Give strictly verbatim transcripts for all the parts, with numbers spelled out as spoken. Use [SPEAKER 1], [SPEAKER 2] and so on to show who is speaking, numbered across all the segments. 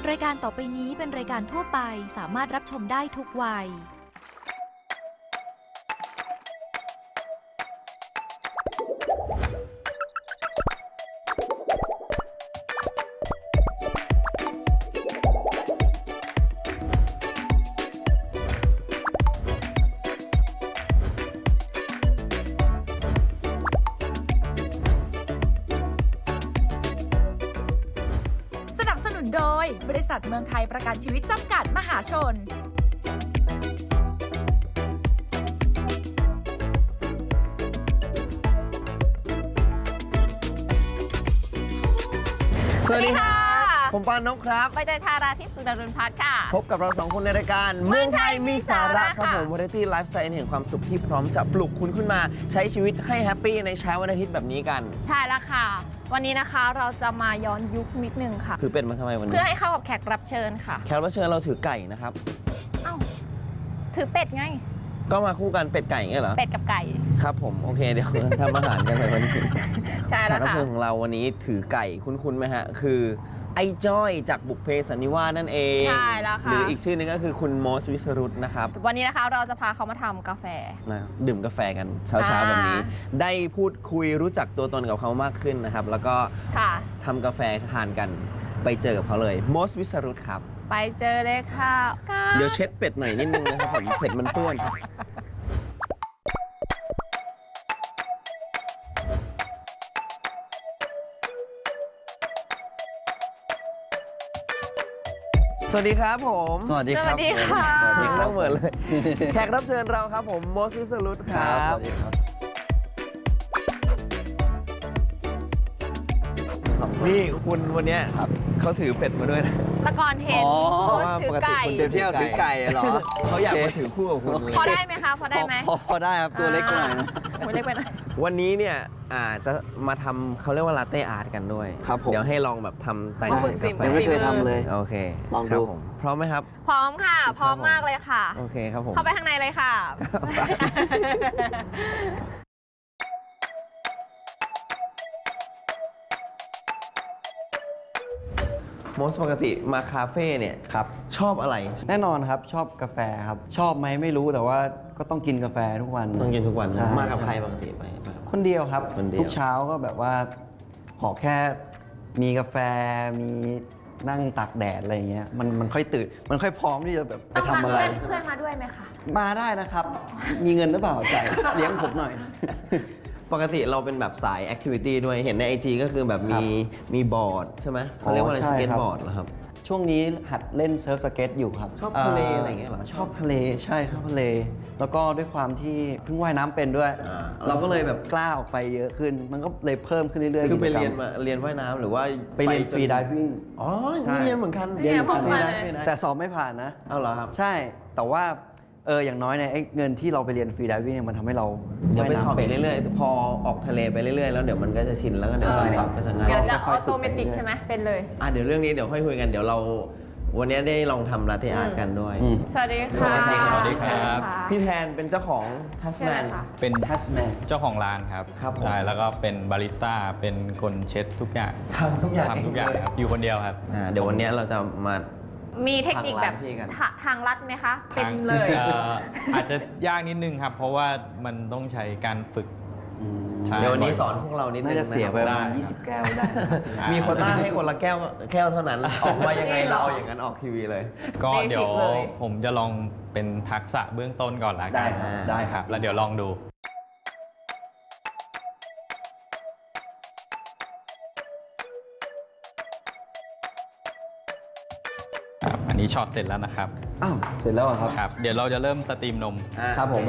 [SPEAKER 1] รายการต่อไปนี้เป็นรายการทั่วไปสามารถรับชมได้ทุกวัยโดยบริษัทเมืองไทยประกันชีวิตจำกัดมหาชน
[SPEAKER 2] สวัสดีค่ะผมปานนกครับ
[SPEAKER 3] ใบเตยธาราทิพย์สุดารุณพัฒน์ค่ะ
[SPEAKER 2] พบกับเราสองคนในรายการเมืองไทยมีสาระครับผมวาไรตี้ไลฟ์สไตล์แห่งความสุขที่พร้อมจะปลุกคุณขึ้นมาใช้ชีวิตให้แฮปปี้ในเช้าวันอาทิตย์แบบนี้กัน
[SPEAKER 3] ใช่แล้วค่ะวันนี้นะคะเราจะมาย้อนยุคนิดนึงค่ะ
[SPEAKER 2] คือเป็นมาทำไมวันนี้
[SPEAKER 3] เพื่อให้เข้ากับแขกรับเชิญค่ะ
[SPEAKER 2] แขกรับเชิญเราถือไก่นะครับ
[SPEAKER 3] เอ้าถือเป็ดไง
[SPEAKER 2] ก็มาคู่กันเป็ดไก่เงี้ยเหรอ
[SPEAKER 3] เป็ดกับไก่
[SPEAKER 2] ครับผมโอเคเดี๋ยวทำอาหารกันเลยวันนี้
[SPEAKER 3] ใช่แล้วค่ะแขกรับ
[SPEAKER 2] เชิญของเราวันนี้ถือไก่คุ้นๆไหมฮะคือไอ้จ้อยจากบุพเพสันนิวาสนั่นเอง
[SPEAKER 3] ใช่แล้วค่ะ
[SPEAKER 2] หรืออีกชื่อนึงก็คือคุณโมสวิสรุตนะครับ
[SPEAKER 3] วันนี้นะคะเราจะพาเขามาทำกาแฟ
[SPEAKER 2] นะดื่มกาแฟกันเช้าๆแบบนี้ได้พูดคุยรู้จักตัวตนกับเขามากขึ้นนะครับแล้วก็ทำกาแฟทานกันไปเจอกับเขาเลยโมสวิสรุตครับ
[SPEAKER 3] ไปเจอเลยค่ะ
[SPEAKER 2] เดี๋ยวเช็ดเป็ดหน่อยนิดนึงนะครับผมเป็ดมันเปื้อนสวัสดีครับผม
[SPEAKER 4] สวัสดีครับ
[SPEAKER 3] สวัสดีค่ะ
[SPEAKER 2] สวัสดีครับเหมือนเลยแขกรับเชิญเราครับผมโมสวิสรุตครับ
[SPEAKER 4] สวัสดีครับ
[SPEAKER 2] นี่คุณวันนี้เขาถือเป็ดมาด้วยนะ
[SPEAKER 3] ตะกอนเห็นโพสถือไก่
[SPEAKER 4] เดี๋ยวเที่ยวถือไก่เหรอ
[SPEAKER 2] เขาอยากมาถือคู่กับคุณ
[SPEAKER 3] พอได้ไหมคะพอได้ไหม
[SPEAKER 4] พอได้ครับตัวเล็กหน่อยนะ
[SPEAKER 3] ตัวเล็กไปหน่อย
[SPEAKER 2] วันนี้เนี่ยอาจจะมาทำเขาเรียกว่าลาเต้อาร์ตกันด้วย
[SPEAKER 4] ครับผม
[SPEAKER 2] เดี๋ยวให้ลองแบบทำแต่งกาแฟ
[SPEAKER 4] ยังไม่เคยทำเลย
[SPEAKER 2] โอเค
[SPEAKER 4] ลองดู
[SPEAKER 2] พร้อมไหมครับ
[SPEAKER 3] พร้อมค่ะพร้อมมากเลยค่ะ
[SPEAKER 2] โอเคครับผม
[SPEAKER 3] เข้าไปข้างในเลยค่ะ
[SPEAKER 2] โมสปกติมาคาเฟ่เนี่ยครับชอบอะไร
[SPEAKER 4] แน่นอนครับชอบกาแฟครับชอบไหมไม่รู้แต่ว่าก็ต้องกินกาแฟทุกวัน
[SPEAKER 2] ต้องกินทุกวันมากับใครปกติไป
[SPEAKER 4] คนเดียวครับทุกเช้าก็แบบว่าขอแค่มีกาแฟมีนั่งตากแดดอะไรอย่างเงี้ยมันมันค่อยตื่นมันค่อยพร้อมที่จะแบบไปทำอะไร
[SPEAKER 3] เพื่อนมาด้วยไหมคะ
[SPEAKER 4] มาได้นะครับมีเงินหรือเปล่าจ่ายเลี้ยงผมหน่อย
[SPEAKER 2] ปกติเราเป็นแบบสายแอคทิวิตี้ด้วยเห็นใน ไอ จี ก็คือแบบมีมีบอร์ดใช่ไหมเขาเรียกว่าอะไรสเก็ตบอร์ดเหรอครับ
[SPEAKER 4] ช่วงนี้หัดเล่นเซิร์ฟสเก็ตอยู่ครับ
[SPEAKER 2] ชอบทะเลอะไรอย่างเงี้ยเหรอ
[SPEAKER 4] ชอบทะเลใช่ชอบทะเลแล้วก็ด้วยความที่เพิ่งว่ายน้ำเป็นด้วยเราก็เลยแบบกล้าออกไปเยอะขึ้นมันก็เลยเพิ่มขึ้นเรื่อยๆ
[SPEAKER 2] คือไปเรียนมาเรียนว่ายน้ำหรือว่า
[SPEAKER 4] ไปเรียนฟรีไดวิ่ง
[SPEAKER 2] อ๋อเรียนเหมือนกัน
[SPEAKER 3] เรียนเหมือนกัน
[SPEAKER 4] แต่สอบไม่ผ่านนะ
[SPEAKER 2] เอาเหรอครับ
[SPEAKER 4] ใช่แต่ว่าเอออย่างน้อยเนี่ยเงินที่เราไปเรียนฟรีไดวิ่งเนี่ยมันทำให้เรา
[SPEAKER 2] เดี๋ยวไปสอบไปเรื่อยๆพอออกทะเลไปเรื่อยๆแล้วเดี๋ยวมันก็จะชินแล้วก็เดี๋ยวตอนสอบก็จะง่าย
[SPEAKER 3] เดี๋ยวจะออโตเมติกใช่ไหมเป็นเลย
[SPEAKER 2] อ่ะเดี๋ยวเรื่องนี้เดี๋ยวค่อยคุยกันเดี๋ยวเราวันนี้ได้ลองทำลาเต้อาร์ตกันด้วย
[SPEAKER 3] สวัสดีค่ะ
[SPEAKER 5] สวัสดีครับ
[SPEAKER 2] พี่แทนเป็นเจ้าของทัสแมน
[SPEAKER 5] เป็นทัสแมนเจ้าของร้านครับ
[SPEAKER 2] ครับ
[SPEAKER 5] ใช่แล้วก็เป็นบาริสต้าเป็นคนเช็ดทุกอย่าง
[SPEAKER 2] ทำทุกอย่าง
[SPEAKER 5] ทำทุกอย่างครับอยู่คนเดียวครับ
[SPEAKER 2] เดี๋ยววันนี้เราจะมา
[SPEAKER 3] มีเทคนิคแบบทางลัดไหมคะเป็นเลย
[SPEAKER 5] อาจจะยากนิดนึงครับเพราะว่ามันต้องใช้การฝึก
[SPEAKER 2] เดี๋ยววันนี้สอนพวกเรานิดนึง
[SPEAKER 4] น่าจะเสียไปประมาณยี่สิบแก้วได้
[SPEAKER 2] มีโควต้าให้คนละแก้วแก้วเท่านั้นออกมายังไงเราเอาอย่างนั้นออกทีวีเลย
[SPEAKER 5] ก็เดี๋ยวผมจะลองเป็นทักษะเบื้องต้นก่อนละกัน
[SPEAKER 4] ได้ครับ
[SPEAKER 5] แล้วเดี๋ยวลองดูอันนี้ช็อตเสร็จแล้วนะครับ
[SPEAKER 4] อ้าวเสร็จแล้วครับ
[SPEAKER 5] ครับเดี๋ยวเราจะเริ่มสตรีมนม
[SPEAKER 4] ครับผม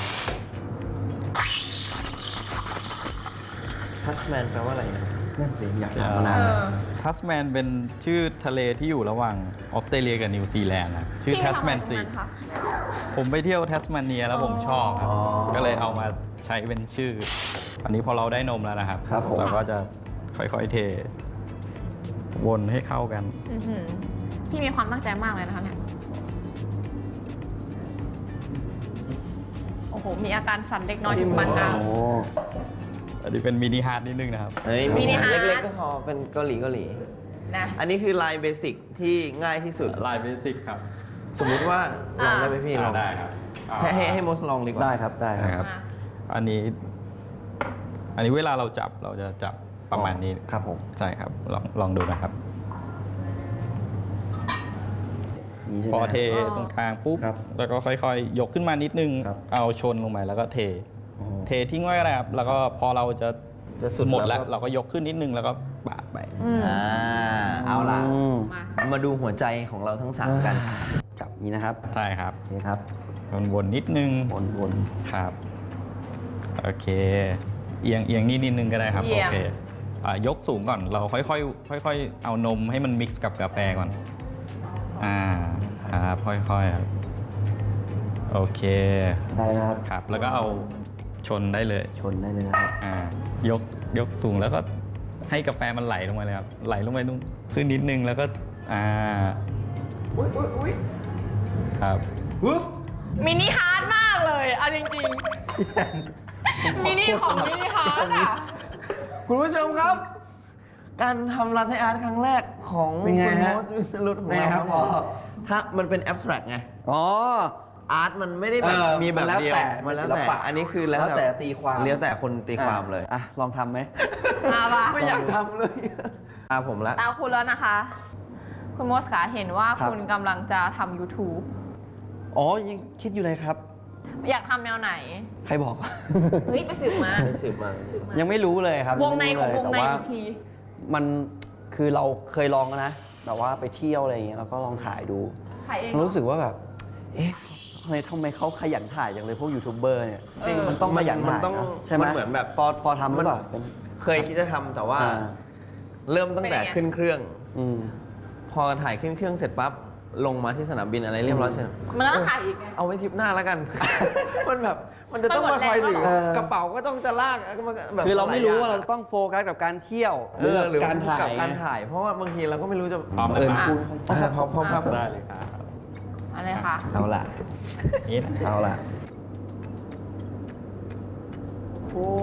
[SPEAKER 2] ทัสแมนแปลว่าอะไรนะ
[SPEAKER 4] นั่นสิอยากถามมานาน
[SPEAKER 5] ทัสแมนเป็นชื่อทะเลที่อยู่ระหว่างออสเตรเลียกับนิวซีแลนด์นะชื่อทัสแมนซีผมไปเที่ยวทัสแมนเนียแล้วผมชอบก็เลยเอามาใช้เป็นชื่ออันนี้พอเราได้นมแล้วนะครับเราก็จะค่อยๆเทวนให้เข้ากัน
[SPEAKER 3] พี่มีความตั้งใจมากเลยนะคะเนี่ยโอ้โหมีอาการสั่นเล็กน้อยอยู่มันนะ
[SPEAKER 5] อันนี้เป็นมินิฮาร์ดนิดนึงนะครับ
[SPEAKER 2] เฮ้ยมินิฮาร์ดเล็กๆก็พอเป็นเกาหลีเกาหลี
[SPEAKER 3] นะ
[SPEAKER 2] อันนี้คือลายเบสิกที่ง่ายที่สุด
[SPEAKER 5] ลายเบสิกครับ
[SPEAKER 2] สมมุติว่าลองได้ไหมพี่ลอง
[SPEAKER 5] ได้ครับอ่า
[SPEAKER 2] ให้ให้ให้โมสลองดีกว่า
[SPEAKER 4] ได้ครับได้
[SPEAKER 5] ได้
[SPEAKER 4] ค
[SPEAKER 5] ครับ รับ อันนี้ อันนี้เวลาเราจับเราจะจับประมาณนี้
[SPEAKER 4] ครับผม
[SPEAKER 5] ใช่ครับ ลองลองดูนะครับ
[SPEAKER 4] นี่ใช่ไห
[SPEAKER 5] พ
[SPEAKER 4] ม
[SPEAKER 5] อเทตรงกลางปุ๊บ
[SPEAKER 4] ครับ
[SPEAKER 5] แล้วก็ค่อยๆ ยกขึ้นมานิดนึง
[SPEAKER 4] ครับ
[SPEAKER 5] เอาชนลงไปแล้วก็เท
[SPEAKER 4] อ๋อ
[SPEAKER 5] เททิ้งไว้ก็ได้ครับ แล้วก็พอเราจะ
[SPEAKER 2] จะสุด
[SPEAKER 5] หมดแล้ว
[SPEAKER 2] ก็
[SPEAKER 5] เราก็ยกขึ้นนิดนึงแล้วก็ปาดไป
[SPEAKER 3] อืม
[SPEAKER 2] อ่าเอาล่ะ
[SPEAKER 4] อืม
[SPEAKER 3] มา
[SPEAKER 2] มาดูหัวใจของเราทั้งสามกัน
[SPEAKER 4] จับนี้นะครับ
[SPEAKER 5] ใช่ครับ
[SPEAKER 4] โอเคครับ
[SPEAKER 5] วนๆนิดนึง
[SPEAKER 4] วนวน
[SPEAKER 5] ครับ โอเค เอียงเอียงนี่นิดนึงก็ได้ครับ
[SPEAKER 3] เอี
[SPEAKER 5] โอย
[SPEAKER 3] ง
[SPEAKER 5] เคอ่ะยกสูงก่อน เราค่อยๆ ค่อยๆ เอานมให้มันมิกซ์กับกาแฟก่อน อ่า ครับ ค่อยๆครับโอเค
[SPEAKER 4] ได้นะครับ
[SPEAKER 5] ครับ แล้วก็เอาชนได้เลย
[SPEAKER 4] ชนได้เลยนะครับ
[SPEAKER 5] อ่ายกยกสูงแล้วก็ให้กาแฟมันไหลลงมาเลยครับ ไหลลงไปตรงขึ้นนิดนึงแล้วก็ อ่า
[SPEAKER 3] อุ้ยอุ้ยอุ้ย
[SPEAKER 5] ครับ
[SPEAKER 3] มินิฮาร์ดมากเลยเอาจริงๆมินิของมินิฮาร์ดอ่ะ
[SPEAKER 2] คุณผู้ชมครับ การทำลาเทอาร์ตครั้งแรกของ
[SPEAKER 4] เป็นไง
[SPEAKER 2] คุณโม
[SPEAKER 4] ฮะ
[SPEAKER 2] สวิสรุตของ
[SPEAKER 4] เป็นไง
[SPEAKER 2] เรา
[SPEAKER 4] ครับ
[SPEAKER 2] ผม
[SPEAKER 4] พ่อ
[SPEAKER 2] ถ้ามันเป็นแอบสแตรกไง
[SPEAKER 4] อ๋อ
[SPEAKER 2] อาร์ตมันไม่ได้แบบ
[SPEAKER 4] เออ
[SPEAKER 2] มีแบบ
[SPEAKER 4] มันแล้ว
[SPEAKER 2] เดียว
[SPEAKER 4] แต่
[SPEAKER 2] มันแล้ว
[SPEAKER 4] ศิล
[SPEAKER 2] แต่
[SPEAKER 4] ปะ
[SPEAKER 2] อันนี้คือแล้ว
[SPEAKER 4] แล้วแต่ตีความ
[SPEAKER 2] แล้วแต่คนตีความเลย
[SPEAKER 4] อ่ะ ลองทำไหม
[SPEAKER 3] มาปะ
[SPEAKER 2] ไม่อยากทำเลยตาผมละ
[SPEAKER 3] ตาคุณแล้วนะคะ คุณโมสขาเห็นว่า
[SPEAKER 4] ครับ
[SPEAKER 3] คุณกำลังจะทำ YouTube
[SPEAKER 4] อ๋อ ยังคิดอยู่เลยครับ
[SPEAKER 3] อยากทำแนวไหน
[SPEAKER 4] ใครบอก
[SPEAKER 3] เฮ้ย ไปสืบมา
[SPEAKER 2] ไม่สืบมา
[SPEAKER 4] ยังไม่รู้เลยครับ
[SPEAKER 3] วงในของวงใน
[SPEAKER 4] แต่ว่า
[SPEAKER 3] อีกที
[SPEAKER 4] มันคือเราเคยลองนะแบบว่าไปเที่ยวอะไรอย่างเงี้ยแล้วก็ลองถ่ายดู
[SPEAKER 3] ถ่ายเอง
[SPEAKER 4] รู้สึกว่าแบบ เอ๊ะทำไมทำไมเขาขยันถ่ายจังเลยพวกยูทูบเบอร์เนี่ย
[SPEAKER 3] จริง
[SPEAKER 4] มันต้องขยัน
[SPEAKER 2] มัน
[SPEAKER 4] ถ่าย
[SPEAKER 2] ต้อง
[SPEAKER 4] นะใช่ไหม
[SPEAKER 2] มันเหมือนแบบ
[SPEAKER 4] พอพอทำหรือเปล่าเป็น
[SPEAKER 2] เคยคิดจะทำแต่ว่า
[SPEAKER 4] อ่า
[SPEAKER 2] เริ่มตั้งแต่ขึ้นเครื่อง
[SPEAKER 4] อืม
[SPEAKER 2] พอถ่ายขึ้นเครื่องเสร็จปั๊บลงมาที่สนามบินอะไรเรียบร้อยเสร็จ
[SPEAKER 3] มันก็ต้องถ่ายอีกไง
[SPEAKER 2] เอาไว้ทริปหน้าแล้วกัน มันแบบมันจะต้อง
[SPEAKER 3] มันหม
[SPEAKER 2] มา
[SPEAKER 3] ด
[SPEAKER 2] คอย
[SPEAKER 3] แรง
[SPEAKER 2] ถือ
[SPEAKER 3] แล้วเหรอ
[SPEAKER 2] กระเป๋าก็ต้องจะลากมันก็แบบ
[SPEAKER 4] คือเราไม่รู้ว่า
[SPEAKER 2] หล
[SPEAKER 4] เรา
[SPEAKER 2] ยอย่ง
[SPEAKER 4] ต้องโฟกัสกับการเที่ยว
[SPEAKER 2] เออหรือ
[SPEAKER 4] การถ่าย
[SPEAKER 2] กับการถ่าย เพราะว่าบางทีเราก็ไม่รู้จะ
[SPEAKER 5] พร้อมไหม
[SPEAKER 4] เออ
[SPEAKER 5] ครับ
[SPEAKER 4] คุณ
[SPEAKER 2] อ่าพร้อมพร้อมครับ
[SPEAKER 5] ได้เลยครับ
[SPEAKER 3] อะไรคะ
[SPEAKER 2] เอาล่ะ
[SPEAKER 5] นี่นะ
[SPEAKER 4] เอาล่ะ
[SPEAKER 3] โอ้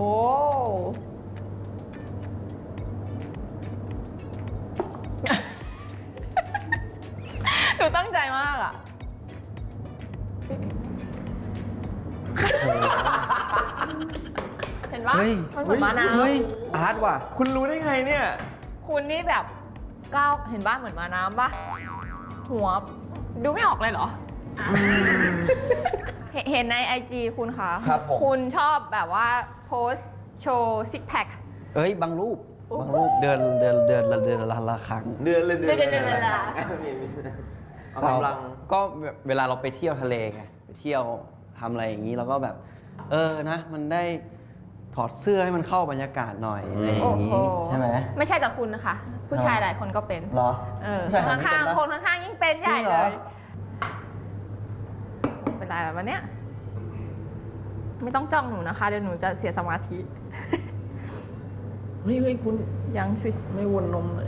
[SPEAKER 3] หนูตั้งใจมากอ่ะ เห็นปะ
[SPEAKER 4] เฮ้ย
[SPEAKER 3] มันเหมือนมะนาว
[SPEAKER 4] เฮ้ย อาร์ตว่ะ
[SPEAKER 2] คุณรู้ได้ไงเนี่ย
[SPEAKER 3] คุณนี่แบบก้าวเห็นบ้านเหมือนมาน้ำปะหัว ดูไม่ออกเลยเหรอเห็นเห็นในไอจีคุณคะ
[SPEAKER 4] ครับผม
[SPEAKER 3] คุณชอบแบบว่าโพสต์โชว์ซิกแพค
[SPEAKER 4] เอ้ย บางรูป บางรูปเดือนเดือนเดือนละเดือนละละครั้ง
[SPEAKER 2] เดือนเลย
[SPEAKER 3] เดือนเดือนเดือนเดือนละ
[SPEAKER 2] เอากำลัง
[SPEAKER 4] ก็แบบเวลาเราไปเที่ยวทะเลไง ไปเที่ยวทำอะไรอย่างนี้เราก็แบบ เออนะ มันได้ถอดเสื้อให้มันเข้าบรรยากาศหน่อยอะไรอย่างนี้
[SPEAKER 3] โอ้โห
[SPEAKER 4] ใช่ไหม
[SPEAKER 3] ไม่ใช่กับคุณนะคะ ผู้ชายหลายคนก็เป็น
[SPEAKER 4] เหรอ
[SPEAKER 3] เออ
[SPEAKER 4] ผู้ชาย
[SPEAKER 3] คน
[SPEAKER 4] หลายคน
[SPEAKER 3] ข้าง
[SPEAKER 4] เป็นนะ
[SPEAKER 3] ๆคนข้างๆยิ่งเป็นใหญ่
[SPEAKER 4] จริงเห
[SPEAKER 3] เล
[SPEAKER 4] รอ
[SPEAKER 3] ย เป็นไรแบบวันเนี้ยไม่ต้องจ้องหนูนะคะ เดี๋ยวหนูจะเสียสมาธิ
[SPEAKER 2] เฮ้ยเฮ้ยคุณ
[SPEAKER 3] ยังสิ
[SPEAKER 2] ไม่วนนมเลย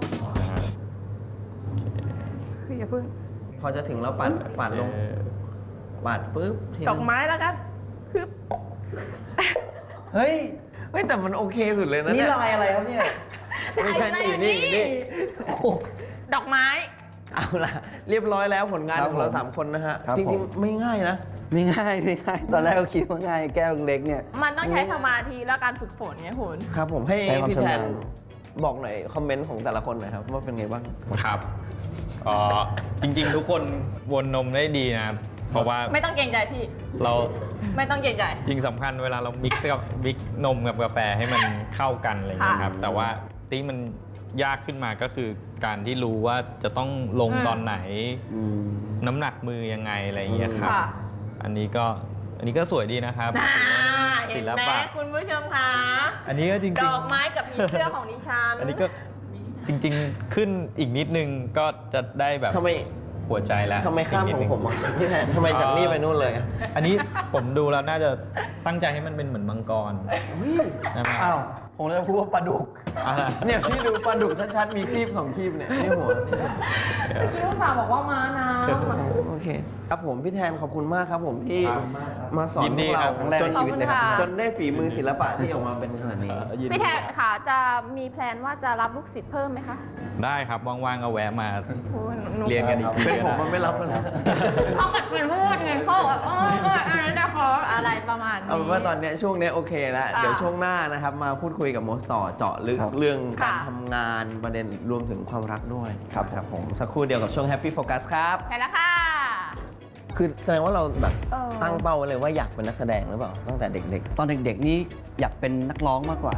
[SPEAKER 3] คืออย่าเพิ่ง
[SPEAKER 2] พอจะถึงแล้วปัดปัดลง
[SPEAKER 5] เออ
[SPEAKER 2] ปัดปุ๊บที
[SPEAKER 3] ดอกไม้แล้วกันคือ
[SPEAKER 4] เฮ้ย
[SPEAKER 2] เฮ้ยแต่มันโอเคสุดเลยนะ
[SPEAKER 4] นี่
[SPEAKER 2] เนี่ย
[SPEAKER 4] ลายอะไรครับเนี่ย
[SPEAKER 2] ไม่ใช่นี่อยู่นี่อยู่นี่
[SPEAKER 4] โอ้โห
[SPEAKER 3] ดอกไม้
[SPEAKER 2] เอาล่ะ เรียบร้อยแล้วผลงาน
[SPEAKER 4] ครับ
[SPEAKER 2] ของเรา
[SPEAKER 4] ผม
[SPEAKER 2] สามคนนะฮะ
[SPEAKER 4] ครับ
[SPEAKER 2] จ
[SPEAKER 4] ผ
[SPEAKER 2] ริง
[SPEAKER 4] ม
[SPEAKER 2] ๆ ไม่ง่ายนะ
[SPEAKER 4] ไม่ง่ายไม่ง่าย ตอนแรกก็คิดว่าง่ายแก้วเล็กเนี่ย
[SPEAKER 3] มันต้องใช้สมาธิและการฝึกฝนไงคุณ
[SPEAKER 2] ครับผมให้
[SPEAKER 4] ให้ความ
[SPEAKER 2] พี่แทน
[SPEAKER 4] ชำนาญ
[SPEAKER 2] บอกหน่อยคอมเมนต์ของแต่ละคนหน่อยครับ ว่าเป็นไงบ้าง
[SPEAKER 5] ครับอ๋อจริงๆ ทุกคนวนนมได้ดีนะครับ เพราะว่า
[SPEAKER 3] ไม่ต้องเกรงใจพี่
[SPEAKER 5] เรา
[SPEAKER 3] ไม่ต้องเกรงใจ
[SPEAKER 5] จริงสำคัญเวลาเรามิกซ์กับมิกซ์นมกับกาแฟให้มันเข้ากันอะไรอย่างเงี้ยครับ แต่ว่าที่มันยากขึ้นมาก็คือการที่รู้ว่าจะต้องลง
[SPEAKER 3] อืม
[SPEAKER 5] ตอนไหน
[SPEAKER 4] อืม
[SPEAKER 5] น้ำหนักมือยังไงอะไรอย่างเงี้ยครับ
[SPEAKER 3] ค่ะ
[SPEAKER 5] อันนี้ก็อันนี้ก็สวยดีนะครับ
[SPEAKER 3] น่า
[SPEAKER 5] ศิ
[SPEAKER 3] เห็น
[SPEAKER 5] ล
[SPEAKER 3] ไหม
[SPEAKER 5] ปะ
[SPEAKER 3] คุณผู้ชมคะ
[SPEAKER 5] อันนี้ก็จริง
[SPEAKER 3] ด
[SPEAKER 5] ๆ
[SPEAKER 3] อกไม้กับผีเสื้อของดิฉัน
[SPEAKER 5] อันนี้ก็จริงๆขึ้นอีกนิดนึงก็จะได้แบบ
[SPEAKER 2] ทำไม
[SPEAKER 5] หัวใจแล้ว
[SPEAKER 2] ทำไมข้าม
[SPEAKER 5] กนิด
[SPEAKER 2] ของ
[SPEAKER 5] นึ
[SPEAKER 2] ผมอ่ะพี่แทนทำไมจากนี่ไปนู่นเลยอะ
[SPEAKER 5] อันนี้ผมดูแล้วน่าจะตั้งใจให้มันเป็นเหมือนมังกรใช่ไหม
[SPEAKER 4] อ้าวผมจะพูดว่าปลาดุก
[SPEAKER 2] เนี่ยพี่ดูปลาดุกชัดๆมีครีบสองครีบเนี่ยนี่หัวนี่
[SPEAKER 3] พี่ลูกสาวบอกว่าม้าน้
[SPEAKER 2] โอเคครับผมพี่แทนขอบคุณมากครับผมที่
[SPEAKER 5] ครับ
[SPEAKER 2] มาสอน
[SPEAKER 5] ยิน
[SPEAKER 2] พ
[SPEAKER 5] ดี
[SPEAKER 2] วก
[SPEAKER 5] ครั
[SPEAKER 2] เรา
[SPEAKER 5] บ
[SPEAKER 4] ครั้งแรก
[SPEAKER 2] จ
[SPEAKER 4] ใน
[SPEAKER 2] น
[SPEAKER 4] ชีวิตเลยครับ
[SPEAKER 2] จนได้ฝีมือศิลปะที่ออกมาเป็นขนาดนี้
[SPEAKER 3] ำพี่แทนค่ะจะมีแพลนว่าจะรับลูกศิษย์เพิ่มไหมคะ
[SPEAKER 5] ได้ครับ ว่างๆก็แวะมา
[SPEAKER 3] โอ้ยหนู
[SPEAKER 5] เรียนกันอีกที
[SPEAKER 2] เป็นผม
[SPEAKER 5] ก็
[SPEAKER 2] มัน
[SPEAKER 5] ได้
[SPEAKER 2] ไม่รับแล้วนะ
[SPEAKER 3] เขากัดเป็นพูดไงเขาบอกเออเอออันนั้นนะขออะไรประมาณนี้
[SPEAKER 2] เอาเป็นว่าตอนเนี้ยช่วงเนี้ยโอเคแล้ว
[SPEAKER 3] ค่ะ
[SPEAKER 2] เดี๋ยวช่วงหน้านะครับมาพูดคุยกับโมสต่อเจาะลึก
[SPEAKER 4] ครับ
[SPEAKER 2] เรื่องการ
[SPEAKER 3] ค่ะ
[SPEAKER 2] ทำงานประเด็นรวมถึงความรักด้วย
[SPEAKER 4] ครับ
[SPEAKER 2] ครับผมสักครู่เดียวกับช่วง Happy Focus ครับ
[SPEAKER 3] ใช่แล้วค่ะ
[SPEAKER 2] คือแสดงว่าเราแบบ
[SPEAKER 3] เออ
[SPEAKER 2] ตั้งเป้าไว้เลยว่าอยากเป็นนักแสดงหรือเปล่าตั้งแต่เด็ก
[SPEAKER 4] ตอนเด็กๆนี่อยากเป็นนักร้องมากกว่า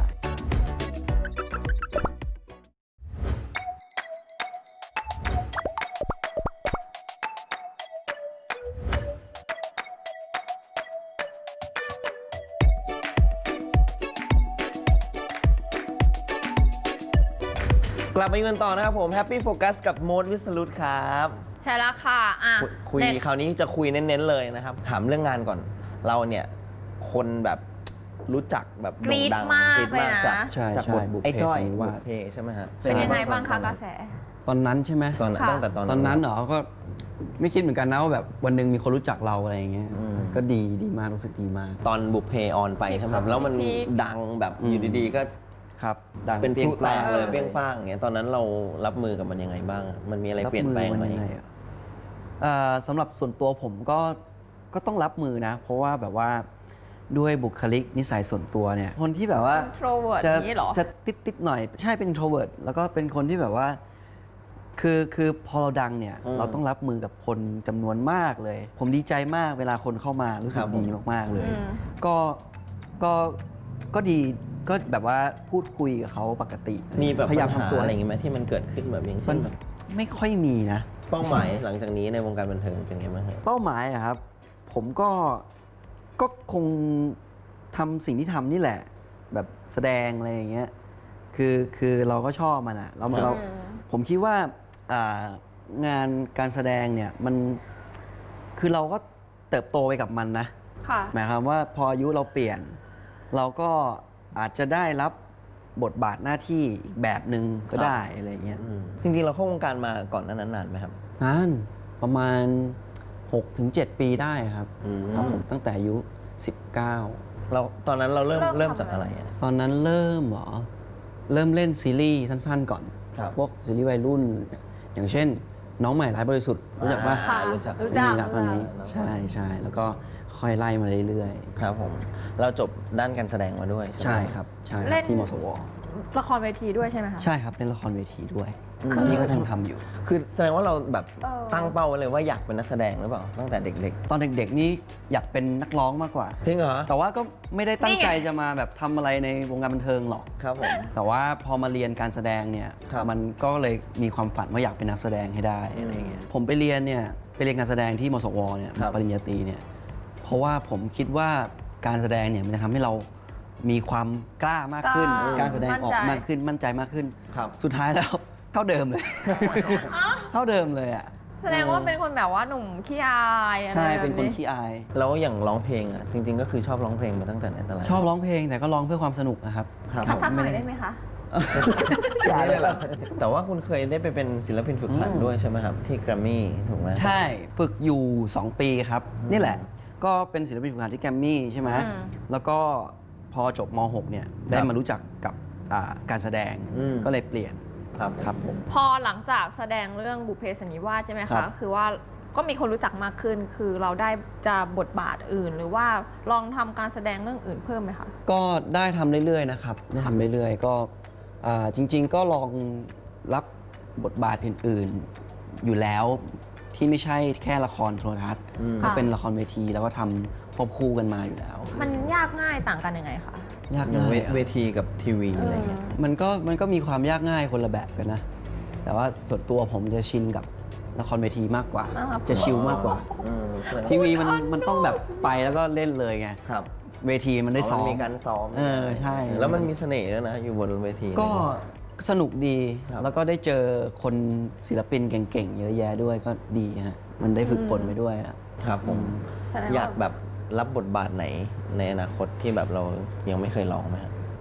[SPEAKER 2] ๆ กลับมาอยู่กันต่อนะครับผม Happy Focus กับโมดวิสรุตครับ
[SPEAKER 3] ใช่แล้วค่ะอ่ะ
[SPEAKER 2] คุยคุย
[SPEAKER 3] เด็ก
[SPEAKER 2] คราวนี้จะคุยเน้นๆเลยนะครับ ถามเรื่องงานก่อน เราเนี่ยคนแบบรู้จักแบบโด่งดัง
[SPEAKER 3] กรี๊ดมาก
[SPEAKER 2] กรี๊ดมาก
[SPEAKER 3] เลยนะ
[SPEAKER 2] จาก
[SPEAKER 4] ใช่
[SPEAKER 2] จาก
[SPEAKER 4] ใช่
[SPEAKER 2] บท
[SPEAKER 4] บุพเพ
[SPEAKER 2] ไอ้จ้อย
[SPEAKER 4] สันนิวาส
[SPEAKER 2] บุพเพใช่ไหมฮะ
[SPEAKER 3] เป็นยังไงบ้างคะ
[SPEAKER 2] ตอน
[SPEAKER 3] ก
[SPEAKER 2] นั้
[SPEAKER 3] ระ
[SPEAKER 2] น
[SPEAKER 3] แส
[SPEAKER 4] ตอนนั้นใช่ไหม
[SPEAKER 2] ตอนนั้น
[SPEAKER 3] ค่ะ
[SPEAKER 2] ตั้งแต่ตอน
[SPEAKER 4] ตอนนั้นเหรอก็ไม่คิดเหมือนกันนะว่าแบบวันหนึ่งมีคนรู้จักเราอะไรอย่างเงี้ย
[SPEAKER 2] อืม
[SPEAKER 4] ก็ดีดีมากรู้สึกดีมาก
[SPEAKER 2] ตอนบุพเพออนไปใช่ไหมครับแล้วมัน
[SPEAKER 3] พีค
[SPEAKER 2] ดังแบบ
[SPEAKER 4] อืม
[SPEAKER 2] อยู่ดีๆ ก็
[SPEAKER 4] ครับดัง
[SPEAKER 2] เป็นพลุแตกเลย
[SPEAKER 3] เออ
[SPEAKER 2] เปรี้ยงป้างอย่างเงี้ยตอนนั้นเรารับมือกับมันยังไงบ้าง มันมีอะไรเปลี่ยนแปลงไหม
[SPEAKER 4] รับอยังงอะเอ่อสำหรับส่วนตัวผมก็ก็ต้องรับมือนะ เพราะว่าแบบว่าด้วยบุคลิกนิสัยส่วนตัวเนี่ยคนที่แบบว่า
[SPEAKER 3] introvert
[SPEAKER 4] จะ
[SPEAKER 3] อย่างนี้เหรอ
[SPEAKER 4] จะติดติดๆหน่อย ใช่เป็น introvert แล้วก็เป็นคนที่แบบว่า คือคือพอเราดังเนี่ย
[SPEAKER 2] อืม
[SPEAKER 4] เราต้องรับมือกับคนจำนวนมากเลย ผมดีใจมากเวลาคนเข้ามารู้สึ
[SPEAKER 2] ค
[SPEAKER 4] ก
[SPEAKER 2] รับผม
[SPEAKER 4] ดีมาก ๆ เลย
[SPEAKER 3] อืม
[SPEAKER 4] ก็ก็ก็ดีก็แบบว่าพูดคุยกับเขาปกติ
[SPEAKER 2] มีแบบ
[SPEAKER 4] พยายาม
[SPEAKER 2] ปัญหา
[SPEAKER 4] ทำตัว
[SPEAKER 2] อะไรอย่างงี้ไหมที่มันเกิดขึ้นแบบอย่าง
[SPEAKER 4] มั
[SPEAKER 2] เช่
[SPEAKER 4] น
[SPEAKER 2] นแบบ
[SPEAKER 4] ไม่ค่อยมีนะ
[SPEAKER 2] เป้าหมายหลังจากนี้ในวงการบันเทิงเป็นไงบ้างฮะ
[SPEAKER 4] เป้าหมายอะครับ ผมก็ก็คงทำสิ่งที่ทำนี่แหละ แบบแสดงอะไรอย่างเงี้ยคือคือเราก็ชอบมันอะเราเรา
[SPEAKER 3] อืม
[SPEAKER 4] ผมคิดว่าอ่างานการแสดงเนี่ยมันคือเราก็เติบโตไปกับมันนะ
[SPEAKER 3] ค่ะ
[SPEAKER 4] หมายความว่าพออายุเราเปลี่ยน เราก็อาจจะได้รับบทบาทหน้าที่อีกแบบหนึ่งก็ได้อะไรอย่างเงี้ย
[SPEAKER 2] อืมจริงๆ เราเข้าวงการมาก่อนหนานั้นนานไหมครับ
[SPEAKER 4] นานประมาณ หกถึงเจ็ด ปีได้ครับ
[SPEAKER 2] อืม
[SPEAKER 4] ครับผมตั้งแต่อายุ สิบเก้า
[SPEAKER 2] เราตอนนั้นเราเริ่ม
[SPEAKER 3] เริ่
[SPEAKER 2] เริ่
[SPEAKER 3] ม
[SPEAKER 2] ม
[SPEAKER 3] ทำ
[SPEAKER 2] จากอะไรอะ
[SPEAKER 4] ตอนนั้นเริ่มเหรอ เริ่มเล่นซีรีส์สั้นๆก่อน
[SPEAKER 2] ครับ
[SPEAKER 4] พวกซีรีส์วัยรุ่น อย่างเช่น น้องใหม่ร้ายบริสุทธิ์รู้จักปะ
[SPEAKER 2] อ่ารู้จัก
[SPEAKER 3] รู้จัก
[SPEAKER 4] มีละตอนนี้
[SPEAKER 2] รู้จัก
[SPEAKER 4] ใช่ใช่แล้วก็ค่อยไล่มาเรื่อย
[SPEAKER 2] ครับผม เราจบด้านการแสดงมาด้วย
[SPEAKER 4] ๆ
[SPEAKER 2] ใช่
[SPEAKER 4] ใช่
[SPEAKER 2] ไหม
[SPEAKER 4] ครับใช่ค
[SPEAKER 3] เล่
[SPEAKER 4] รับ
[SPEAKER 3] น
[SPEAKER 4] ที่มสว
[SPEAKER 3] ละครเวทีด้วยใช่ไหมคะ
[SPEAKER 4] ใช่ครับเล่นละครเวทีด้วย
[SPEAKER 2] อืม
[SPEAKER 4] ตอนนี้ก็ยังทำอยู่
[SPEAKER 2] คือแสดงว่าเราแบบ
[SPEAKER 3] เออ
[SPEAKER 2] ตั้งเป้าไว้เลยว่าอยากเป็นนักแสดงหรือเปล่าตั้งแต่เด็ก
[SPEAKER 4] ตอนเด็กๆนี่อยากเป็นนักร้องมากกว่า
[SPEAKER 2] ๆจริงเหรอ
[SPEAKER 4] แต่ว่าก็ไม่ได้ตั้งใจ
[SPEAKER 3] นี่ไง
[SPEAKER 4] จะมาแบบทำอะไรในวงการบันเทิงหรอก
[SPEAKER 2] ครับผม
[SPEAKER 4] แต่ว่าพอมาเรียนการแสดงเนี่ย
[SPEAKER 2] ครับ
[SPEAKER 4] มันก็เลยมีความฝันว่าอยากเป็นนักแสดงให้ได้อะไรเงี้ยผมไปเรียนเนี่ยไปเรียนการแสดงที่มสวเนี่ย
[SPEAKER 2] ครับ
[SPEAKER 4] ปริญญาตรีเนี่ยเพราะว่าผมคิดว่าการแสดงเนี่ยมันจะทำให้เรามีความกล้ามากขึ้น
[SPEAKER 3] กล้า
[SPEAKER 4] การแสดงออก
[SPEAKER 3] มั่นใจ
[SPEAKER 4] มากขึ้นมั่นใจมากขึ้น
[SPEAKER 2] ครับ
[SPEAKER 4] สุดท้ายแล้ว เท่าเดิมเลย เท่าเดิมเลยอ่ะ
[SPEAKER 3] แสดงว่าเป็นคนแบบว่าหนุ่มขี้อายอะไร
[SPEAKER 4] ใช่
[SPEAKER 3] แบบ
[SPEAKER 4] เป็นคนขี้อาย
[SPEAKER 2] แล้วอย่างร้องเพลงอ่ะจริง ๆ ก็คือชอบร้องเพลงมาตั้งแต่ไหนแต่ไร
[SPEAKER 4] ชอบร้องเพลงแต่ก็ร้องเพื่อความสนุกนะครับ
[SPEAKER 2] ครับ
[SPEAKER 3] สักสักหน่อยได้ไหมคะ
[SPEAKER 2] อย่าเลยเหรอแต่ว่าคุณเคยได้ไปเป็นศิลปินฝึกหัด
[SPEAKER 4] อืม
[SPEAKER 2] ด้วยใช่ไหมครับ ที่แกรมมี่ถูกไหม
[SPEAKER 4] ใช่ฝึกอยู่ สอง ปีครับ นี่แหละ ก็เป็นศิลปินฝึกหัดที่แกรมมี่ใช่ไหม
[SPEAKER 3] อืม
[SPEAKER 4] แล้วก็พอจบม หก เนี่ย ได้มารู้จักกับอ่าการแสดง
[SPEAKER 2] อืม
[SPEAKER 4] ก็เลยเปลี่ยน
[SPEAKER 2] ครับ
[SPEAKER 4] ครับผม
[SPEAKER 3] พอหลังจากแสดงเรื่องบุพเพสันนิวาสใช่ไหม
[SPEAKER 4] ครั
[SPEAKER 3] คะ
[SPEAKER 4] บ
[SPEAKER 3] คือว่าก็มีคนรู้จักมากขึ้น คือเราได้จะบทบาทอื่น หรือว่าลองทำการแสดงเรื่องอื่นเพิ่มไหมคะ
[SPEAKER 4] ก็ได้ทำเรื่อยๆนะครับ ได้ทำเรื่อยๆ ก็อ่าจริง ๆ ก็ลองรับบทบาทอื่นๆ อยู่แล้วที่ไม่ใช่แค่ละครโทรทัศน์
[SPEAKER 2] อืม
[SPEAKER 4] ก็เป็นละครเวทีแล้วก็ทำควบคู่กันมาอยู่แล้ว
[SPEAKER 3] มันยากง่ายต่างกันยังไงคะ
[SPEAKER 4] ยาก
[SPEAKER 2] อย่าง
[SPEAKER 4] ง่า
[SPEAKER 2] เวย
[SPEAKER 4] อะ
[SPEAKER 2] เวทีกับทีวีอะไรเงี้ย
[SPEAKER 4] มันก็มันก็มีความยากง่ายคนละแบบกันนะ แต่ว่าส่วนตัวผมจะชินกับละครเวทีมากกว่า
[SPEAKER 3] อ่าครับ
[SPEAKER 4] จะชิลมากกว่า
[SPEAKER 2] อืมแสดง
[SPEAKER 4] ทีวีมันมันต้องแบบไปแล้วก็เล่นเลยไง
[SPEAKER 2] ครับ
[SPEAKER 4] เวทีมันได้ซ้อม
[SPEAKER 2] มีการซ้อม
[SPEAKER 4] เออใช่
[SPEAKER 2] แล้วมันมีเสน่ห์ด้วยนะ อยู่บนเวที
[SPEAKER 4] ก็สนุกดี
[SPEAKER 2] ครับ
[SPEAKER 4] แล้วก็ได้เจอคนศิลปินเก่งๆ เยอะแยะด้วยก็ดีฮะ มันได้ฝึกฝนไปด้วยอะ
[SPEAKER 2] ครับผม
[SPEAKER 3] แสดงว่า
[SPEAKER 2] อยากแบบรับบทบาทไหนในอนาคตที่แบบเรายังไม่เคยลองไหมครับ
[SPEAKER 4] ผ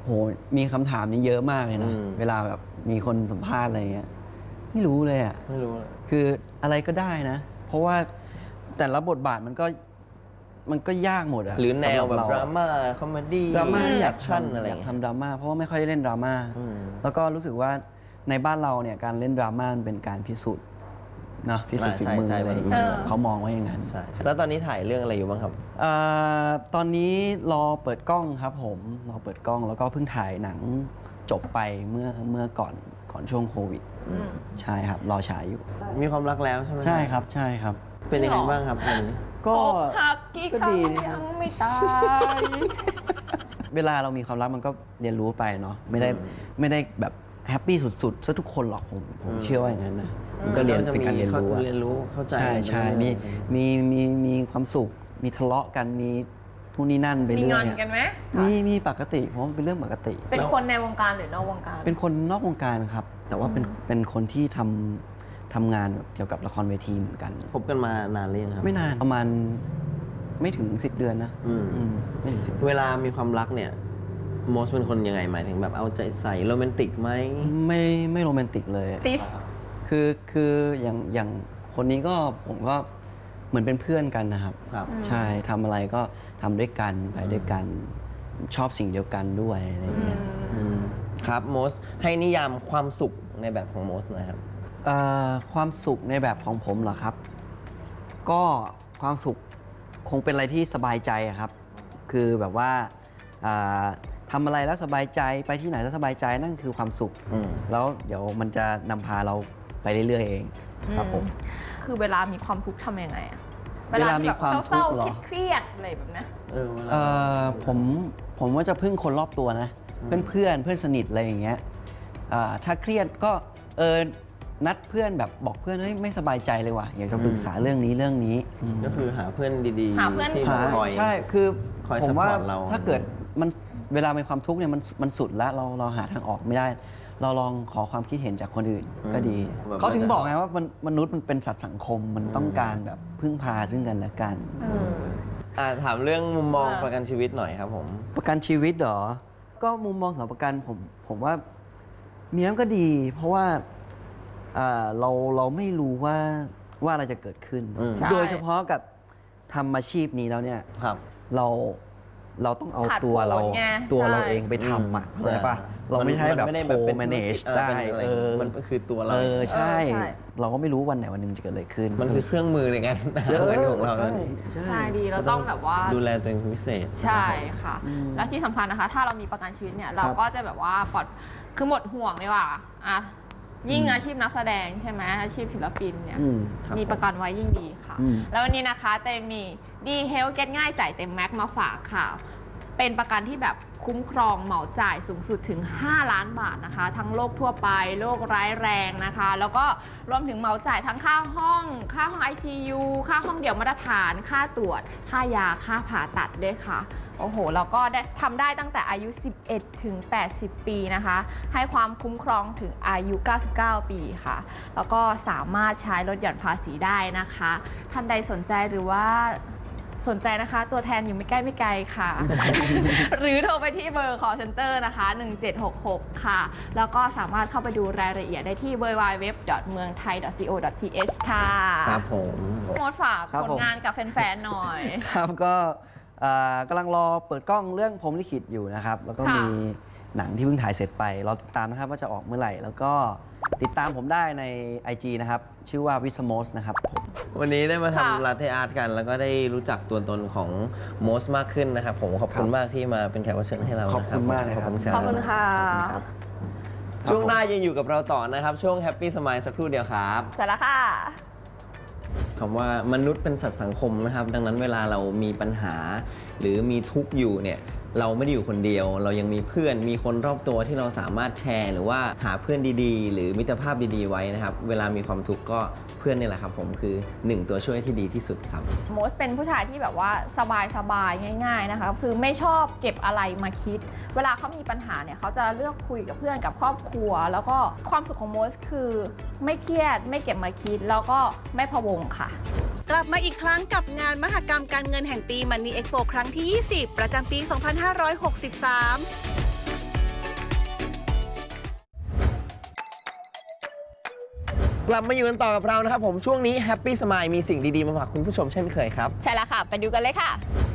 [SPEAKER 4] โหมีคำถามนี้เยอะมากเลยนะ
[SPEAKER 2] อืม
[SPEAKER 4] เวลาแบบมีคนสัมภาษณ์อะไรเงี้ยไม่รู้เลยอ่ะ
[SPEAKER 2] ไม่รู้เลย
[SPEAKER 4] คืออะไรก็ได้นะ เพราะว่าแต่ละบทบาทมันก็มันก็ยากหมดอะ
[SPEAKER 2] หรือแนวแบบ
[SPEAKER 4] สำห
[SPEAKER 2] ด
[SPEAKER 4] เ
[SPEAKER 2] ราม่าคอมเมดี้
[SPEAKER 4] ดราม่าที่อยาก
[SPEAKER 2] ชั่น
[SPEAKER 4] ทำ
[SPEAKER 2] อะไร
[SPEAKER 4] อยาก
[SPEAKER 2] เงี้ย
[SPEAKER 4] ทำดราม่าเพราะว่าไม่ค่อยได้เล่นดราม่า
[SPEAKER 2] อืม
[SPEAKER 4] แล้วก็รู้สึกว่าในบ้านเราเนี่ยการเล่นดราม่ามันเป็นการพิสูจน์นะพิสูจน์ฝีมืออะไรอย่างเงี้ยเขามองว่าอย่างนั้น
[SPEAKER 2] ใช่ใช่แล้วตอนนี้ถ่ายเรื่องอะไรอยู่บ้างครับ
[SPEAKER 4] เอ่อตอนนี้รอเปิดกล้องครับผมรอเปิดกล้องแล้วก็เพิ่งถ่ายหนังจบไปเมื่อเมื่อก่อนก่อนช่วงโควิด ใช่ครับรอฉายอยู่
[SPEAKER 2] มีความรักแล้วใช่ไหม
[SPEAKER 4] ใช่ครับใช่ครับ
[SPEAKER 2] เป็นยังไงบ้างครับตอนนี้
[SPEAKER 4] ก็
[SPEAKER 3] อกหักกี่
[SPEAKER 4] ก็
[SPEAKER 3] ครั้
[SPEAKER 4] ดี
[SPEAKER 3] ง
[SPEAKER 4] นะค
[SPEAKER 3] ยั
[SPEAKER 4] รับ
[SPEAKER 3] งไม่ตาย
[SPEAKER 4] เวลาเรามีความรักมันก็เรียนรู้ไปเนาะไม่ได้
[SPEAKER 2] อืม
[SPEAKER 4] ไม่ได้แบบแฮปปี้สุดๆซะทุกคนหรอกผมผม
[SPEAKER 2] อืม
[SPEAKER 4] เชื่อว่าอย่างนั้นนะมันก็เรียน
[SPEAKER 2] จะ
[SPEAKER 4] เป็นการเรียนรู้อะ
[SPEAKER 2] เรียนรู้เข้าใจ
[SPEAKER 4] ใช่ใช่
[SPEAKER 2] ไปเรื่
[SPEAKER 4] มี
[SPEAKER 2] อยๆ
[SPEAKER 4] มีมีมีความสุข มีทะเลาะกันมีทุนนี่นั่นไป
[SPEAKER 3] มี
[SPEAKER 4] เรื่
[SPEAKER 3] ง
[SPEAKER 4] อ
[SPEAKER 3] อย น
[SPEAKER 4] อะ
[SPEAKER 3] กันไหม
[SPEAKER 4] มีมีปกติผมว่าเป็นเรื่องปกติ
[SPEAKER 3] เป็นคนในวงการหรือนอกวงการ
[SPEAKER 4] เป็นคนนอกวงการครับ แต่ว่าเป็นเป็นคนที่ทำทำงานแบบเกี่ยวกับละครเวทีเหมือนกัน
[SPEAKER 2] คบกันมานานหรือยังครับ
[SPEAKER 4] ไม่นานประมาณไม่ถึงสิบเดือนนะ
[SPEAKER 2] อืม
[SPEAKER 4] อืมไม่ถึงสิบ
[SPEAKER 2] เวลามีความรักเนี่ยโมสเป็นคนยังไงหมายถึงแบบเอาใจใส่โรแมนติกไหม
[SPEAKER 4] ไม่ไม่โรแมนติกเลย
[SPEAKER 3] ติส
[SPEAKER 4] คือคืออย่างอย่างคนนี้ก็ผมก็เหมือนเป็นเพื่อนกันนะครับ
[SPEAKER 2] ครับ
[SPEAKER 4] ใช่ทำอะไรก็ทำด้วยกันไปด้วยกัน ชอบสิ่งเดียวกันด้วยอะไรอย่างเงี้ยอืม
[SPEAKER 2] ครับโมสให้นิยามความสุขในแบบของโมสหน่อยครับ
[SPEAKER 4] เอ่อความสุขในแบบของผมเหรอครับ ก็ความสุขคงเป็นอะไรที่สบายใจอะครับ คือแบบว่าอ่าทำอะไรแล้วสบายใจไปที่ไหนแล้วสบายใจนั่นคือความสุข
[SPEAKER 2] อืม
[SPEAKER 4] แล้วเดี๋ยวมันจะนำพาเราไปเรื่อยๆเองครับผม
[SPEAKER 3] คือเวลามีความทุกข์ทำยังไงอะ
[SPEAKER 4] เวลามีความทุกข์
[SPEAKER 3] เศร้า
[SPEAKER 4] เหรอ
[SPEAKER 3] ๆเครียดๆอะไรแบบนี้
[SPEAKER 2] เออเวลา
[SPEAKER 4] เอ่อผมผมว่าจะพึ่งคนรอบตัวนะ เพื่อนเพื่อนเพื่อนสนิทอะไรอย่างเงี้ยอ่าถ้าเครียดก็เออนัดเพื่อนแบบบอกเพื่อนเฮ้ยไม่สบายใจเลยว่ะอยากจะปรึกษาเรื่องนี้เรื่องนี้
[SPEAKER 2] ก็คือหาเพื่อนดี
[SPEAKER 3] หาเพื่อน
[SPEAKER 2] ที่
[SPEAKER 4] หา
[SPEAKER 2] คอย
[SPEAKER 4] ใช่คือ
[SPEAKER 2] คอย
[SPEAKER 4] ผมว่า
[SPEAKER 2] support เรา
[SPEAKER 4] ถ้าเกิดมันเวลามีความทุกข์เนี่ยมันมันสุดแล้วเราเราหาทางออกไม่ได้ เราลองขอความคิดเห็นจากคนอื่นก็ดี
[SPEAKER 2] แบบ
[SPEAKER 4] เขาถึงบอกไงว่ามันมนุษย์มันเป็นสัตว์สังคมมันต้องการแบบพึ่งพาซึ่งกันและกัน
[SPEAKER 2] อ่าถามเรื่องมุมมอง
[SPEAKER 3] อ่า
[SPEAKER 2] ประกันชีวิตหน่อยครับผม
[SPEAKER 4] ประกันชีวิตเหรอ ก็มุมมองสำหรับประกันผมผมว่ามีมันก็ดี เพราะว่าอ่าเราเราไม่รู้ว่าว่าอะไรจะเกิดขึ้น
[SPEAKER 2] อืม
[SPEAKER 3] ใช่
[SPEAKER 4] โดยเฉพาะกับทำอาชีพนี้แล้วเนี่ย
[SPEAKER 2] ครับ
[SPEAKER 4] เราเราต้องเอา
[SPEAKER 3] ขาด
[SPEAKER 4] ตัวเรา
[SPEAKER 3] ผลไง
[SPEAKER 4] ตัวเรา
[SPEAKER 3] ใช่
[SPEAKER 4] เองไปทำอ่ะ
[SPEAKER 2] อืม
[SPEAKER 4] เข้าใจปะเราไม่ใช่แบบ
[SPEAKER 2] นด้
[SPEAKER 4] โ
[SPEAKER 2] เป็น
[SPEAKER 4] manage
[SPEAKER 2] ธุรกิจ
[SPEAKER 4] ได้
[SPEAKER 2] เป็นอะไร
[SPEAKER 4] เออ
[SPEAKER 2] มันคือตัวเรา
[SPEAKER 4] เออใช่
[SPEAKER 3] เออใช่
[SPEAKER 4] เราก็ไม่รู้วันไหนวันหนึ่งจะเกิดอะไรขึ้น
[SPEAKER 2] มันคือเครื่องมือในการหาเงินของเรา
[SPEAKER 4] ใช่
[SPEAKER 3] ใช่
[SPEAKER 4] ใช่
[SPEAKER 3] ดีเราต้องแบบว่า
[SPEAKER 2] ดูแลตัวเองเป็นพิเศษ
[SPEAKER 3] ใช่ค่ะ
[SPEAKER 4] อืม
[SPEAKER 3] และที่สำคัญนะคะ ถ้าเรามีประกันชีวิตเนี่ย เราก็จะแบบว่าปลอดคือหมดห่วงเลยว่าอ่ะยิ่งอาชีพนักแสดงใช่ไหมอาชีพศิลปินเนี่ย
[SPEAKER 4] อืมครับ
[SPEAKER 3] มีประกันไว้ยิ่งดีค่ะ
[SPEAKER 4] อืม
[SPEAKER 3] แล้ววันนี้นะคะเตมีดีเฮลเก็ตง่ายจ่ายเต็มแม็กมาฝากค่ะ เป็นประกันที่แบบคุ้มครองเหมาจ่ายสูงสุดถึง ห้า ล้านบาทนะคะ ทั้งโรคทั่วไปโรคร้ายแรงนะคะ แล้วก็รวมถึงเหมาจ่ายทั้งค่าห้อง ค่าห้อง ไอ ซี ยู ค่าห้องเดี่ยวมาตรฐาน ค่าตรวจ ค่ายา ค่าผ่าตัดด้วยค่ะ โอ้โห แล้วก็ได้ทำได้ตั้งแต่อายุ สิบเอ็ด ถึง แปดสิบ ปีนะคะ ให้ความคุ้มครองถึงอายุ เก้าสิบเก้า ปีค่ะ แล้วก็สามารถใช้ลดหย่อนภาษีได้นะคะ ท่านใดสนใจหรือว่าสนใจนะคะ ตัวแทนอยู่ไม่ใกล้ไม่ไกลค่ะ หรือโทรไปที่เบอร์ call center นะคะ หนึ่งเจ็ดหกหก ค่ะ แล้วก็สามารถเข้าไปดูรายละเอียดได้ที่ ดับเบิลยู ดับเบิลยู ดับเบิลยู ดอท เมืองไทย ดอท ซี โอ ดอท ที เอช ค่ะ
[SPEAKER 2] ครับผม
[SPEAKER 3] โมดฝาก
[SPEAKER 4] ครับ
[SPEAKER 3] ผล
[SPEAKER 4] ผม
[SPEAKER 3] งานกับแฟนๆหน่อย
[SPEAKER 4] ครับก็อ่ากำลังรอเปิดกล้องเรื่องพรหมลิขิตอยู่นะครับ แล้วก็
[SPEAKER 3] ค่ะ
[SPEAKER 4] มีหนังที่เพิ่งถ่ายเสร็จไปรอติดตามนะครับว่าจะออกเมื่อไหร่ แล้วก็ติดตามผมได้ใน ไอ จี นะครับ ชื่อว่าวิสโมสนะครับผม
[SPEAKER 2] วันนี้ได้มา
[SPEAKER 3] ค่ะ
[SPEAKER 2] ทำลาเทอาร์ตกัน แล้วก็ได้รู้จักตัวตนของโมสมากขึ้นนะครับ ผมขอบคุณ
[SPEAKER 4] ครับ
[SPEAKER 2] มากที่มาเป็นแขกรับเชิญให้เรา
[SPEAKER 4] ขอบคุณมากเลย
[SPEAKER 2] ข
[SPEAKER 4] ค
[SPEAKER 2] อบ
[SPEAKER 4] รับ
[SPEAKER 2] คุณครั
[SPEAKER 3] ขอบคุณค่ะ
[SPEAKER 4] ครับ
[SPEAKER 2] ช่วงหน้ายังอยู่กับเราต่อนะครับ ช่วงแฮปปี้สม l e สักครู่เดียวครับ
[SPEAKER 3] เสร็จแล้วค่ะ
[SPEAKER 2] คำว่ามนุษย์เป็นสัตว์สังคมนะครับ ดังนั้นเวลาเรามีปัญหา หรือมีทุกข์อยู่เนี่ยเราไม่ได้อยู่คนเดียว เรายังมีเพื่อนมีคนรอบตัวที่เราสามารถแชร์ หรือว่าหาเพื่อนดีๆ หรือมิตรภาพดีๆไว้นะครับ เวลามีความทุกข์ก็เพื่อนนี่แหละครับผมคือหนึ่งตัวช่วยที่ดีที่สุดครับ
[SPEAKER 3] โมสเป็นผู้ชายที่แบบว่าสบายสบายๆง่าย ๆนะคะ คือไม่ชอบเก็บอะไรมาคิด เวลาเขามีปัญหาเนี่ยเขาจะเลือกคุยกับเพื่อนกับครอบครัว แล้วก็ความสุขของโมสคือไม่เครียดไม่เก็บมาคิด แล้วก็ไม่พะวงค่ะ
[SPEAKER 6] กลับมาอีกครั้งกับงานมหกรรมการเงินแห่งปี Money Expo ครั้งที่ ยี่สิบ ประจำปี สองพันห้าร้อยหกสิบสาม
[SPEAKER 2] กลับมาอยู่กันต่อกับเรานะครับผมช่วงนี้ Happy Smile มีสิ่งดีๆมาฝากคุณผู้ชมเช่นเคยครับ
[SPEAKER 3] ใช่แล้วค่ะ ไปดูกันเลยค่ะ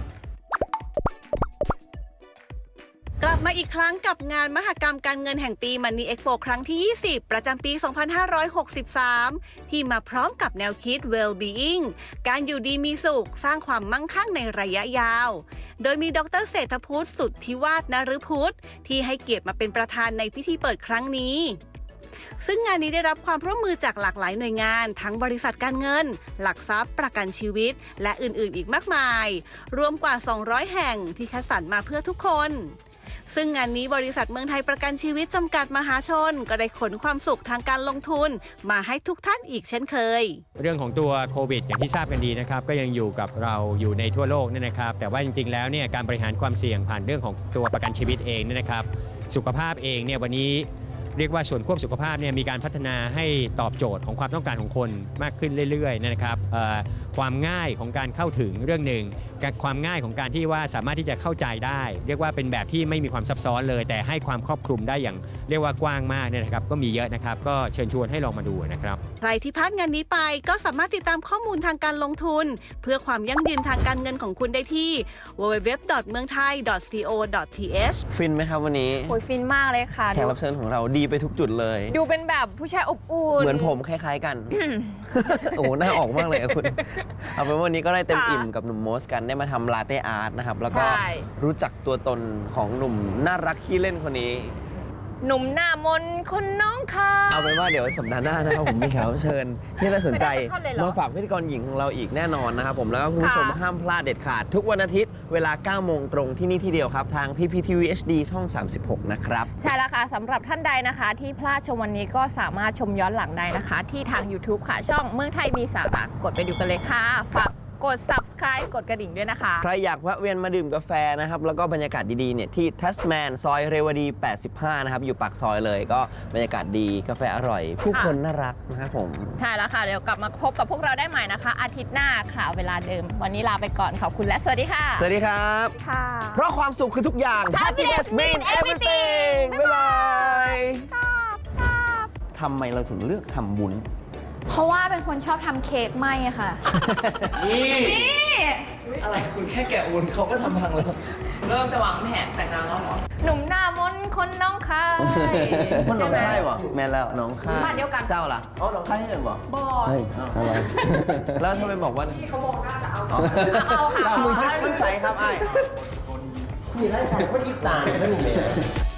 [SPEAKER 6] กลับมาอีกครั้งกับงานมหกรรมการเงินแห่งปี Money Expo ครั้งที่ ยี่สิบ ประจำปี สองพันห้าร้อยหกสิบสาม ที่มาพร้อมกับแนวคิด Well-being การอยู่ดีมีสุข สร้างความมั่งคั่งในระยะยาว โดยมีดรเศรษฐพุทธสุทธิวาฒนฤพุทธที่ให้เกียรติมาเป็นประธานในพิธีเปิดครั้งนี้ ซึ่งงานนี้ได้รับความร่วมมือจากหลากหลายหน่วยงานทั้งบริษัทการเงิน หลักทรัพย์ประกันชีวิต และอื่นๆ อีกมากมาย รวมกว่า สองร้อย แห่งที่คัดสรรมาเพื่อทุกคน ซึ่งงานนี้บริษัทเมืองไทยประกันชีวิตจำกัดมหาชนก็ได้ขนความสุขทางการลงทุนมาให้ทุกท่านอีกเช่นเคย
[SPEAKER 7] เรื่องของตัวโควิดอย่างที่ทราบกันดีนะครับก็ยังอยู่กับเราอยู่ในทั่วโลกเนี่ยนะครับแต่ว่าจริงๆแล้วเนี่ยการบริหารความเสี่ยงผ่านเรื่องของตัวประกันชีวิตเองเนี่ยนะครับสุขภาพเองเนี่ยวันนี้เรียกว่าส่วนควบสุขภาพเนี่ยมีการพัฒนาให้ตอบโจทย์ของความต้องการของคนมากขึ้นเรื่อยๆนะครับเอ่อความง่ายของการเข้าถึงเรื่องหนึ่งกับความง่ายของการที่ว่าสามารถที่จะเข้าใจได้ เรียกว่าเป็นแบบที่ไม่มีความซับซ้อนเลย แต่ให้ความครอบคลุมได้อย่างเรียกว่ากว้างมากเนี่ยนะครับก็มีเยอะนะครับก็เชิญชวนให้ลองมาดูนะครับ
[SPEAKER 6] ใครที่พลาดงานนี้ไปก็สามารถติดตามข้อมูลทางการลงทุน เพื่อความยั่งยืนทางการเงินของคุณได้ที่ ดับเบิลยู ดับเบิลยู ดับเบิลยู ดอท เมืองไทย ดอท ซี โอ ดอท ที เอช
[SPEAKER 2] ฟินไหมครับวันนี้
[SPEAKER 3] โอ้ยฟินมากเลยค่ะ
[SPEAKER 2] แขกรับเชิญของเราดีไปทุกจุดเลย
[SPEAKER 3] ดูเป็นแบบผู้ชายอบอุ่น
[SPEAKER 2] เหมือนผมคล้ายๆกัน โอ้โหหน้าออกมากเลยอะคุณ เอาเป็นว่าวันนี้ก็ได้เต็ม
[SPEAKER 3] ค่ะ
[SPEAKER 2] อิ่มกับหนุ่มโมสกันได้มาทำลาเต้อาร์ตนะครับ แล้วก็
[SPEAKER 3] ใช่
[SPEAKER 2] รู้จักตัวตนของหนุ่มน่ารักขี้เล่นคนนี้
[SPEAKER 3] หนุ่มหน้ามนต์คนน้องค่ะ
[SPEAKER 2] เอาเป็นว่าเดี๋ยวสัปดาห์หน้านะครับผมมีแขกรับเชิญที่น่าสนใจ
[SPEAKER 3] ไม่ได้สักท่อนเลยเหรอ
[SPEAKER 2] มาฝากพิธีกรหญิงของเราอีกแน่นอนนะครับผมแล้วก็คุณผู้ชม
[SPEAKER 3] ค่ะ
[SPEAKER 2] ห้ามพลาดเด็ดขาด ทุกวันอาทิตย์เวลาเก้าโมงตรงที่นี่ที่เดียวครับ ทาง พี พี ที วี เอช ดี ช่อง สามสิบหก นะครับ
[SPEAKER 3] ใช่แล้วค่ะสำหรับท่านใดนะคะ ที่พลาดชมวันนี้ก็สามารถชมย้อนหลังได้นะคะ ที่ทาง YouTube ค่ะ ช่องเมืองไทยมีสาระกดไปดูกันเลยค่ะฝากกด Subscribe กดกระดิ่งด้วยนะคะ
[SPEAKER 2] ใครอยากแวะเวียนมาดื่มกาแฟนะครับ แล้วก็บรรยากาศดีๆเนี่ยที่ทัสแมนซอยเรวดี แปดสิบห้า นะครับ อยู่ปากซอยเลยก็บรรยากาศดีกาแฟอร่อย ผู้คนน่ารักนะครับผม
[SPEAKER 3] ใช่แล้วค่ะ เดี๋ยวกลับมาพบกับพวกเราได้ใหม่นะคะ อาทิตย์หน้าค่ะเวลาเดิม วันนี้ลาไปก่อนขอบคุณและสวัสดีค่ะ
[SPEAKER 2] สวัสดีครับ
[SPEAKER 3] ค่ะ
[SPEAKER 2] เพราะความสุขคือทุกอย่าง
[SPEAKER 3] Happiness mean everything
[SPEAKER 2] บ๊ายบายทำไมเราถึงเลือกทำบุญ
[SPEAKER 8] เพราะว่าเป็นคนชอบทำเค้กไหมอะค่ะ
[SPEAKER 2] นี่อะไรคุณแค่แกะวุ้นเขาก็ทำพังแล้ว
[SPEAKER 3] เริ่มจะวางแผนแต่งงานแล้วเหรอ หนุ่มหน้ามนต์คนน้องค่ะ
[SPEAKER 2] มันน้องค่ายวะแม่แล้วน้องค่าย
[SPEAKER 3] บ้านเดียวกัน
[SPEAKER 2] เจ้าล่ะอ๋อน้องค่ายที่เดินบอก
[SPEAKER 3] บอก
[SPEAKER 2] เฮ้ยอะไร แล้วทำไมบอกว่า
[SPEAKER 3] เขาบอกว่าจะเอา
[SPEAKER 2] อ๋อ
[SPEAKER 3] เอาค่ะ
[SPEAKER 2] เจ้ามือจะขึ้นใสครับไอ้มีรายการคนอีสานก็มีเลย